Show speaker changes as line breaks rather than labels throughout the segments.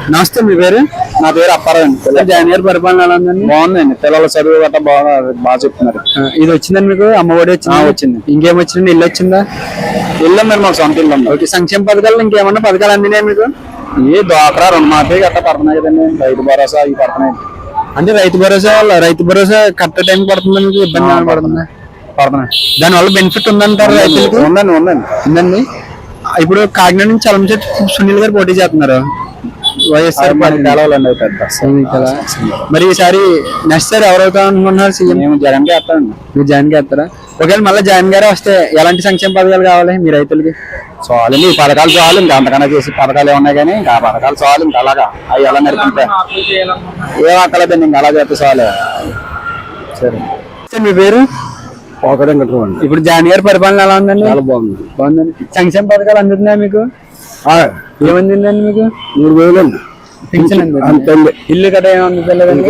నమస్తే, మీ పేరు?
నా పేరు అప్పారావు.
జగన్ గారి పరిపాలన ఎలా ఉందండి?
బాగుందండి, పిల్లల చదువు గట్రా బాగా చెప్తున్నారు.
ఇది వచ్చిందండి మీకు? అమ్మఒడి
వచ్చింది.
ఇంకేం వచ్చిందండి? ఇల్లు వచ్చిందా?
ఇల్లు మరి మాకు సొంత ఇల్లు ఉంది.
ఓకే, సంక్షేమ పథకాలు ఇంకేమన్నా పథకాలు అందినాయి మీకు?
ఈ డ్వాక్రా రుణమాఫీ గట్రా పడుతున్నాయి కదండి, రైతు భరోసా ఇవి పడుతున్నాయి.
అంటే రైతు భరోసా కరెక్ట్ టైం పడుతుందా మీకు? ఇబ్బంది ఏమైనా పడుతుందా?
పడుతున్నాయి.
దానివల్ల బెనిఫిట్ ఉందంటారు రైతులకు? ఉందండి. ఇప్పుడు కాకినాడ నుంచి చలమచెట్టి సునీల్ గారు పోటీ చేస్తున్నారు వైఎస్ఆర్ మరి ఈసారి నెక్స్ట్ సారి ఎవరవుతా అనుకుంటున్నారు సీఎం?
జగన్ కి వేస్తానండి.
మీరు జగన్ కి వేస్తారా? ఒకవేళ మళ్ళీ జగన్ గారే వస్తే ఎలాంటి సంక్షేమ పథకాలు కావాలి మీ రైతులకి?
చాలు ఈ పథకాలు చాలు, ఇంకా అంతకన్నా చేసి పథకాలు ఏమున్నాయి కానీ ఇంకా పథకాలు చాలు. ఇంకా అలాగా అవి ఎలా నడిపితే ఏం అక్కలేదండి, ఇంకా అలా చేస్తే చాలు. సరే,
మీ పేరు?
పోకడండి.
ఇప్పుడు జగన్ గారి పరిపాలన ఎలా ఉందండి?
చాలా బాగుందండి.
సంక్షేమ పథకాలు అందుతున్నాయి మీకు? ఏమందిందండి మీకు?
3,000 అండి.
పింఛన్ అంతే. ఇల్లు కదా ఏమందుతలేదండి?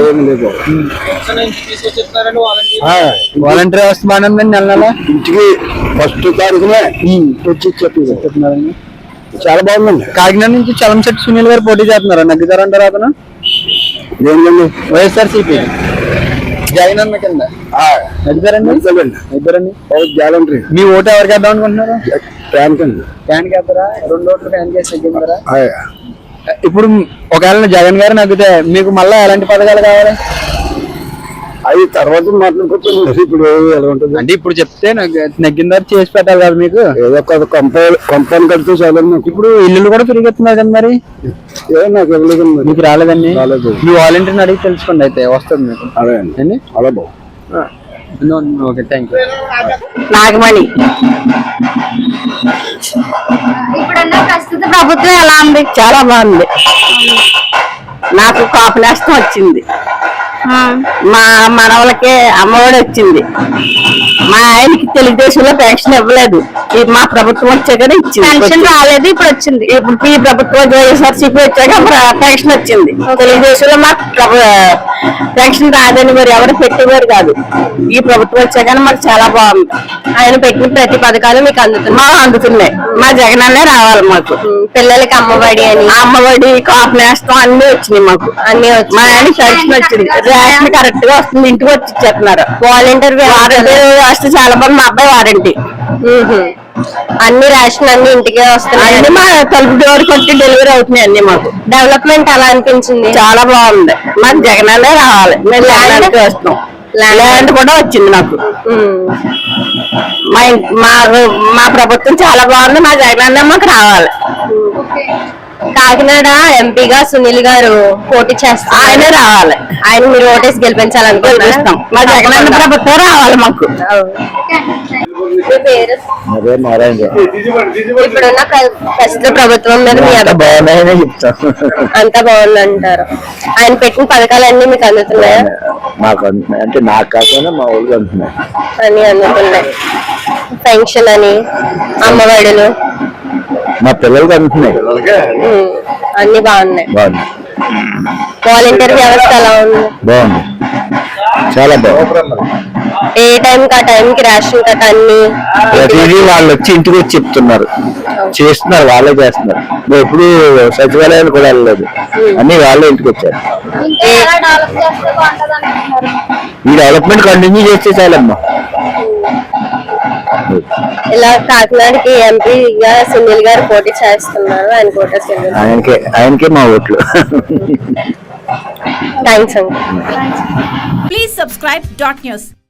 వాలంటీర్ వ్యవస్థ బాగానే ఉందండి. నెల నెల
ఇంటికి ఫస్ట్ తారీఖునే వచ్చి చెప్తున్నారండి. చాలా బాగుందండి.
కాకినాడ నుంచి చలమచెట్టి సునీల్ గారు పోటీ చేస్తున్నారు, నగ్గుతారంటారు అతను?
ఏంటండి?
వైఎస్ఆర్సీపీ జగన్ అన్న కింద నగ్గుతారండి. ఇద్దరండి
గ్యాలంటరీ.
మీ ఓటు ఎవరికి వేద్దాం అనుకుంటున్నారు?
ఫ్యాన్ కండి.
ఫ్యాన్ వేస్తారా? 2 ఓట్లు ఫ్యాన్ కేసు తగ్గించారా? ఇప్పుడు ఒకవేళ జగన్ గారు నగ్గితే మీకు మళ్ళీ ఎలాంటి పథకాలు కావాలి?
అవి తర్వాత మాట్లాడుకోవచ్చు. ఇప్పుడు ఎలా ఉంటుంది
అంటే ఇప్పుడు చెప్తే నగ్గిన తర్వాత చేసి పెట్టాలి కదా మీకు?
ఏదో ఒక కంపెనీ కడితే చాలా.
ఇప్పుడు ఇల్లు కూడా తిరిగెత్తున్నారు కదా, మరి
నాకు ఇవ్వలేదు.
మీకు రాలేదండి? మీ వాలంటీర్ని అడిగి తెలుసుకోండి, అయితే వస్తుంది మీకు.
అదే అండి, అలా బాగు.
Okay, thank you.
నాగమణి. ఇప్పుడున్న ప్రస్తుత ప్రభుత్వం ఎలా ఉంది? చాలా బాగుంది. నాకు కాపు నేస్తం వచ్చింది, మా మనవలకి అమ్మఒడి వచ్చింది, మా ఆయనకి తెలుగుదేశంలో పెన్షన్ ఇవ్వలేదు, మా ప్రభుత్వం వచ్చాకనే ఇచ్చింది. పెన్షన్ రాలేదు, ఇప్పుడు వచ్చింది. ఇప్పుడు ఈ ప్రభుత్వం వైఎస్ఆర్సీపీ వచ్చాక పెన్షన్ వచ్చింది. తెలుగుదేశంలో మాకు పెన్షన్ రాదని మరి ఎవరు పెట్టేవారు కాదు. ఈ ప్రభుత్వం వచ్చాకనే మాకు చాలా బాగుంది. ఆయన పెట్టిన ప్రతి పథకాలు మీకు అందుతున్నాయి. మా జగనన్నే రావాలి మాకు. పిల్లలకి అమ్మఒడి అని, అమ్మఒడి, కాపు నేస్తం అన్ని వచ్చినాయి మాకు. అన్ని వచ్చి మా ఆయన పెన్షన్ వచ్చింది. రేషన్ కరెక్ట్ గా వస్తుంది, ఇంటికి వచ్చి ఇచ్చేస్తున్నారు. వాలంటీర్ వస్తే చాలా బాగుంది. మా అబ్బాయి వారంటీ. అన్ని రేషన్ అన్ని ఇంటికే వస్తున్నాయి. అన్ని మా తలుపు డోర్ కొట్టి డెలివరీ అవుతున్నాయి అన్ని. మాకు డెవలప్మెంట్ అలా అనిపించింది, చాలా బాగుంది. మాకు జగనన్నే రావాలి. మేము ల్యాండ్కి వస్తున్నాం. ల్యాండ్ కూడా వచ్చింది నాకు. మా ప్రభుత్వం చాలా బాగుంది. మా జగనన్న మాకు రావాలి. కాకినాడ ఎంపీగా సునీల్ గారు పోటీ చేస్తారు, ఆయనే రావాలి. ఆయన మీరు ఓటేసి గెలిపించాలనుకుంటున్నాం. మా జగనన్న ప్రభుత్వం రావాలి మాకు. ఇప్పుడున్న ప్రస్తుత ప్రభుత్వం మీద అంతా బాగుందంటారు? ఆయన పెట్టిన పథకాలన్నీ మీకు అందుతున్నాయా?
మాకు అందుతున్నాయి, అంటే నాకు కాకుండా మా ఊళ్ళకి అందుతున్నాయి.
అన్ని అందుతున్నాయి. పెన్షన్ అని, అమ్మఒడులు
మా పిల్లలకి అందుతున్నాయి.
అన్ని బాగున్నాయి. వాలంటీర్ వ్యవస్థ ఎలా ఉంది?
బాగుంది, చాలా బాగుంది.
ఏ టైం కి ఆ టైంకి రేషన్ కట్ట అన్ని
ప్రతిదీ వాళ్ళు వచ్చి ఇంటికి వచ్చి చెప్తున్నారు, చేస్తున్నారు, వాళ్ళే చేస్తున్నారు. ఎప్పుడు సచివాలయాలు కూడా వెళ్ళలేదు, అన్ని వాళ్ళే ఇంటికి వచ్చారు. ఈ డెవలప్మెంట్ కంటిన్యూ చేస్తే చాలమ్మా.
ఇలా కాకినాడకి ఎంపీగా సునీల్ గారు పోటీ చేస్తున్నారు, ఆయన కోటేశ్వర
ఆయనకే మా ఓట్లు.
థ్యాంక్స్ అండి.
Please subscribe .news.